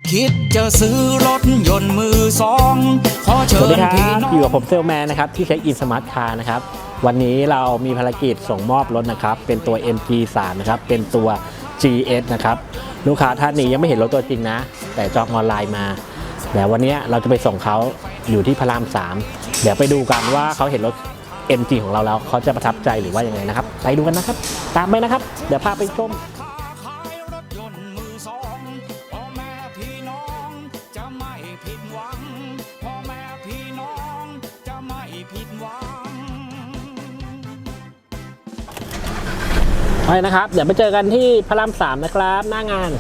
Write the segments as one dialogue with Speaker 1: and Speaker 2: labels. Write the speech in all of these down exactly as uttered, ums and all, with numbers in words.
Speaker 1: คิดจะซื้อรถยนต์มือสองขอเชิญพี่น้อง
Speaker 2: อยู่กับผมเซลแมนนะครับที่เช็คอินสมาร์ทคาร์นะครับวันนี้เรามีภารกิจส่งมอบรถนะครับเป็นตัว เอ็ม จี สาม นะครับเป็นตัว จี เอส นะครับลูกค้าท่านนี้ยังไม่เห็นรถตัวจริงนะแต่จองออนไลน์มาแต่วันนี้เราจะไปส่งเขาอยู่ที่พระรามสามเดี๋ยวไปดูกันว่าเขาเห็นรถ เอ็ม จี ของเราแล้วเขาจะประทับใจหรือว่ายังไงนะครับไปดูกันนะครับตามไปนะครับเดี๋ยวพาไปชมไปนะครับเดี๋ยวไปเจอกันที่พระรามสามนะครับหน้างาน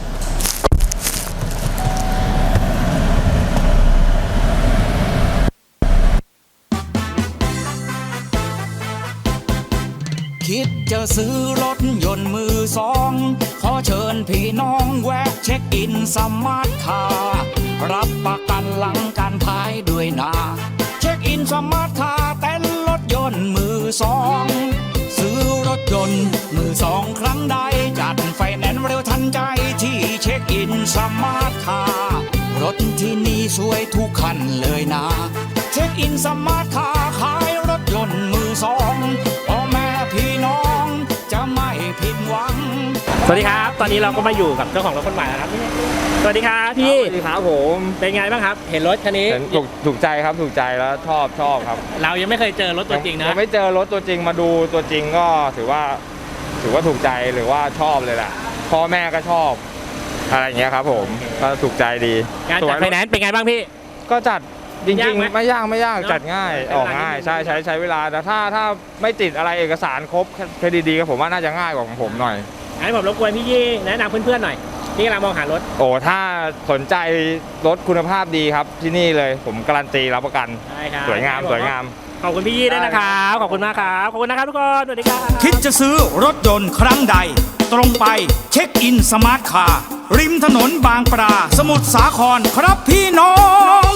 Speaker 1: คิดจะซื้อรถยนต์มือสองขอเชิญพี่น้องแวะเช็คอินสมาร์ทคาร์รับประกันหลังการขายด้วยนะเช็คอินสมาร์ทคาร์เต้นรถยนต์มือสองซื้อรถยนต์มือสองครั้งใดจัดไฟแนนซ์เร็วทันใจที่เช็คอินสมาร์ทคาร์รถที่นี่สวยทุกคันเลยนะเช็คอินสมาร์ทคาร์ขายรถยนต์มือสองพ่อแม่พี่น้องจะไม่ผิดหวัง
Speaker 2: สวัสดีครับตอนนี้เราก็มาอยู่กับเจ้าของรถคนใหม่แล้วครับสวัสดีครับพี่
Speaker 3: สวัสดีครับผม
Speaker 2: เป็นไงบ้างครับเห็นรถคันนี้
Speaker 3: ถูกถูกใจครับถูกใจแล้วชอบชอบครับ
Speaker 2: เรายังไม่เคยเจอรถตัวจริงนะ
Speaker 3: ยังไม่เจอรถตัวจริงมาดูตัวจริงก็ถือว่าถือว่าถูกใจหรือว่าชอบเลยแหละพ่อแม่ก็ชอบอะไรอย่างเงี้ยครับผมก็ถูกใจดี
Speaker 2: การจัดไฟแนนซ์เป็นไงบ้างพี่
Speaker 3: ก็จัดจริงๆไม่ยากไม่ยากจัดง่ายออกง่ายใช่ใช้ใช้เวลาแต่ถ้าถ้าไม่ติดอะไรเอกสารครบแค่ดีๆก็ผมว่าน่าจะง่ายกว่าของผมหน่อย
Speaker 2: งั้นผมรบกวนพี่ยี่แนะนำเพื่อนๆหน่อยที่กำลังมองหารถ
Speaker 3: โอ้ถ้าสนใจรถคุณภาพดีครับที่นี่เลยผมการันตีรับประกันสวยงามสวยงาม
Speaker 2: ขอบคุณพี่ยี่ด้วยนะครับขอบคุณมากครับขอบคุณนะครับทุกคนสวัสดีครับ
Speaker 1: คิดจะซื้อรถยนต์ครั้งใดตรงไปเช็คอินสมาร์ทคาร์ริมถนนบางปลาสมุทรสาครครับพี่น้อง